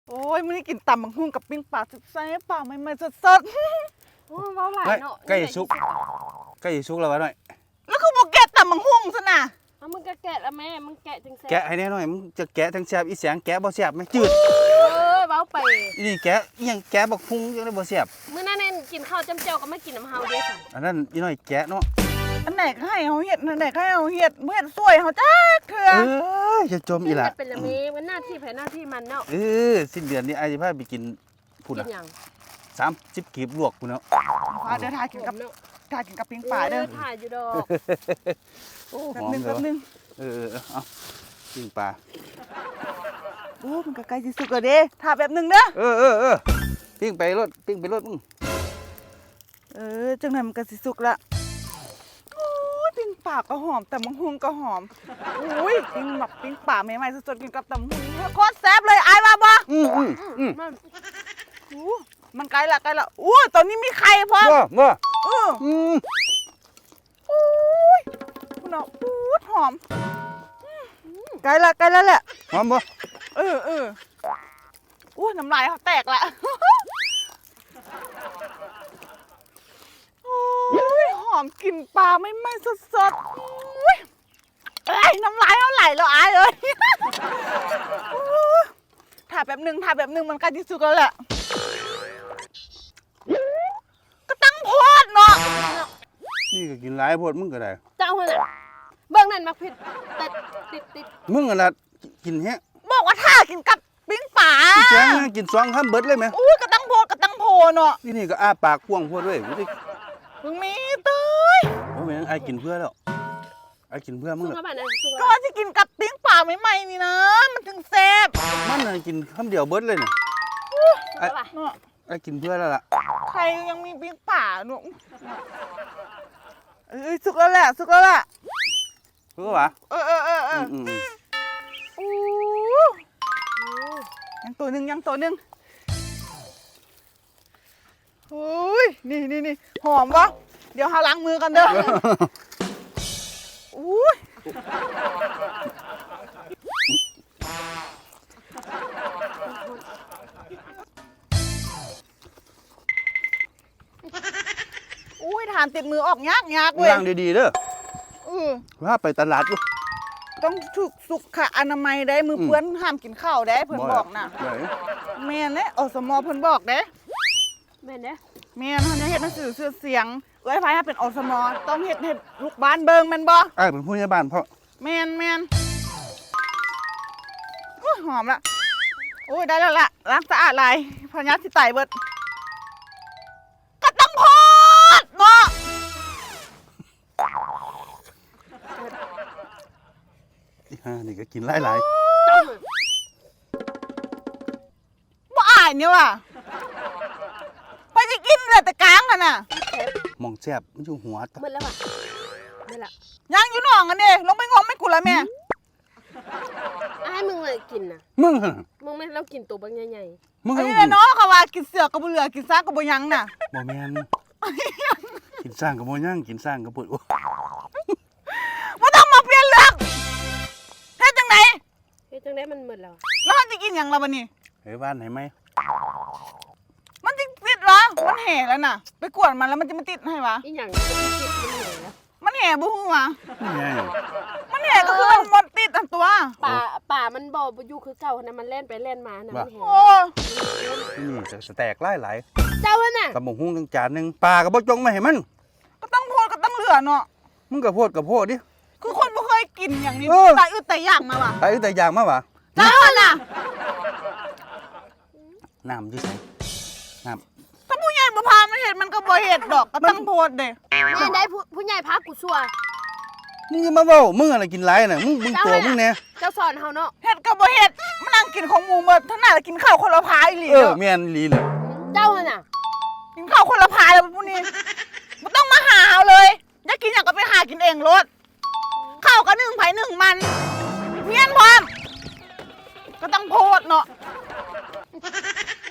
โอ้ยมื้อนี้กินตำบักหุ่งกับปิ้งปลาแซ่บๆปลาใหม่ๆสดโอ้เว้าหลายเนาะใกล้สุกแล้ววะหน่อยๆแล้วคือบ่แกะตำบักหุ่งซะน่ะเอามึงก็แกะละแม่มึงแกะจังแซ่บแกะให้แน่หน่อยมึงจะแกะทั้งแซ่บอีแสงแกะบ่แซ่บไหมจืดเว้าไปอีนี่แกะอีหยังแกะบักฮุงยังได้บ่แซ่บมื้อนั้นน่ะกินข้าวจำเจียวก็มากินน้ำเฮาเด้สั่นอันนั้นอีน้อยแกะเนาะอันไหนก็ให้เฮาเฮ็ดอันไหนก็ให้เฮาเฮ็ดบ่เฮ็ดสวยเฮาจักเทื่อจะจมอีหล่ะเป็นละเมมันหน้าที่ไผหน้าที่มันเนาะสิ้นเดือนนี้อ้ายสิพาไปกินพุ่นกิน่ะนหยัง 30กีบลวกพุ่นเนาะพาเดินทางกินกับปิ้งปลาเด้อถ่ายอยู่ดอกโอ้แป๊หบอมนึงเลแป๊ยบนึงเอาปิ้งปลาโอ้มันก็ใกล้สิสุกแล้วเด้ถ้าแป๊บนึงเด้อปิ้งไปรถมึงจังนั้นมันก็สิสุกละโอ้ยปิ้งปลาก็หอมแต่บักหุ่งก็หอมอุ้ยปิ้งปลาใหม่ๆสดๆกินกับตำบักหุ่งโคตรแซ่บเลยอายว่าบ่มันอู้มันใกล้ละอู้ตอนนี้มีไข่พร้อมเมื่ออู้ยคุณเอาอู้หอมใกล้ละแหละหอมบ่อู้น้ำลายเขาแตกละโอ้ยหอมกลิ่นปลาไม่สดๆอุ้ยเอ้ยน้ำลายเขาไหลแล้วอายเลยถ่ายแบบนึงมันใกล้ที่สุดแล้วแหละก็ตั้งโพดเนาะนี่ก็กินหลายโพดมึงก็ได้เจ้าหั่นน่ะเบิ่งนั่นมักผิดแต่ติดมึงอะล่ะกินแฮะบอกว่าถ้ากินกับปิ้งป่าอีแสงกิน2คำเบิดเลยไหมอุ้ยก็ตั้งโพเนาะที่นี่ก็อ้าปากกว้างโพดเว้ยบ่ได้มึงมีเต้ยบ่แม่นอ้ายกินเพื่อแล้วอ้ายกินเพื่อมึสุงกแหแล้ละวบัดนั้นสุกก็แล้วว่าจะกินกับปิ้งป่าใหม่ๆนี่นะมันถึงแซ่บมันน่ะกินคำเดียวเบิดเลยน่ะแล้วป่ะเนาะอ้ายกินเพื่อแล้วล่ะใครยังมีปิ้งป่าเนาะสุกแล้วแหละเพื่อวะอู้ยังตัวหนึ่งอุ้ยนี่หอมปะเดี๋ยวหาล้างมือกันเด้ออุ้ยอุ้ยทานติดมือออกยากเว้ยล้างดีๆเด้ออว่าไปตลาดอยู่ต้องถูกสุขอนามัยได้มือเปื้อนห้ามกินข้าวได้เพิ่นบอกน่ะได้แม่นเด้อสมเพิ่นบอกเด้แม่นเด้แม่นเฮาจะเฮ็ดหนังสือชื่อเสียงไว้ไผถ้าเป็นอสมต้องเฮ็ดให้ลูกบ้านเบิ่งแม่นบ่อ้ายเป็นผู้ใหญ่บ้านเพราะแม่นโอ้ยหอมละโอ้ยได้แล้วล่ะล้างสะอาดหลายพญาสิไตเบิดก็ต้องโพดเนาะนี่ก็กินหลายเจ้าหั่นบ่อายเนี่ยว่ะไปสิกินเหลือแต่กลางกันน่ะๆหมองแซ่บมันอยู่หัวตะหมดแล้วป่ะหมดละยังอยู่หนองกันเด้ลงไปงมไม่กูละแม่ให้มึงเลยกินน่ะมึงหั่นมึงไม่เรากินตัวบางใหญ่มึงอันให้นี้กูแหละเนาะเขาว่ากินเสือก็บ่เหลือกินซากก็บ่ยังน่ะบ่แม่นกินสร้างกับบ่ย่างกินสร้างกับปวดโอ้บ่ต้องมาเปลี่ยนเรื่องเฮ็ดจังไดๆเฮ้ยจังได้มันหมดแล้วแล้วมันจะกินหยังล่ะบัดนี้เฮ้ยบ้านไหนไหมมันจะติดเหรอมันแห่แล้วน่ะ ไปกวนมันแล้วมันจะมาติดให้วะอีหยังจะไปคิดมันเหนื่อยแล้วมันแห่บ่ฮู้วะนี่ไงมันแห่ก็คือมันหมดติดอันตัวป่ามันบ่อยู่คือเก่านะมันเล่นไปเล่นมานะมันแหงโอ้นี่จะแตกหลายเจ้าหั่นน่ะๆกับหมกหุ้งทั้งจานหนึงปลาก็บ่จงมาให้มันก็ต้องโพดก็ต้องเหลือเนาะมึงก็โพดกับโพดดิคือคนบ่เคยกินอย่างนี้เออตายอึดตายอยากมาว่ะตายแต่อย่างมาวะเจ้าน่ะน้ำอยู่ไสน้ถ้าผู้ใหญ่บ่พามันเฮ็ดมันก็บ่เฮ็ดดอกก็ต้องโพดเด้แม่ได้ผู้ใหญ่พักกูชัวำมึงอย่ามาเว้ามึงอะไรกินหลายน่ะมึงตัวมึงแน่เจ้าสอนเฮาเนาะเฮ็ดก็บ่เฮ็ดมานั่งกินของหมูหมดทั้งนั้นกินข้าวคนละพายอีหลีเออเนาะแม่นอีหลีเลยเจ้าหั่นน่ะกินข้าวคนละพายแล้วพวกนี้ไม่ต้องมาหาเอาเลยอยากกินอย่างก็ไปหากินเองรถข้าวก็นึ่งไผ่นึ่งมันเมียนพร้อมก็ต้องโพดเนาะ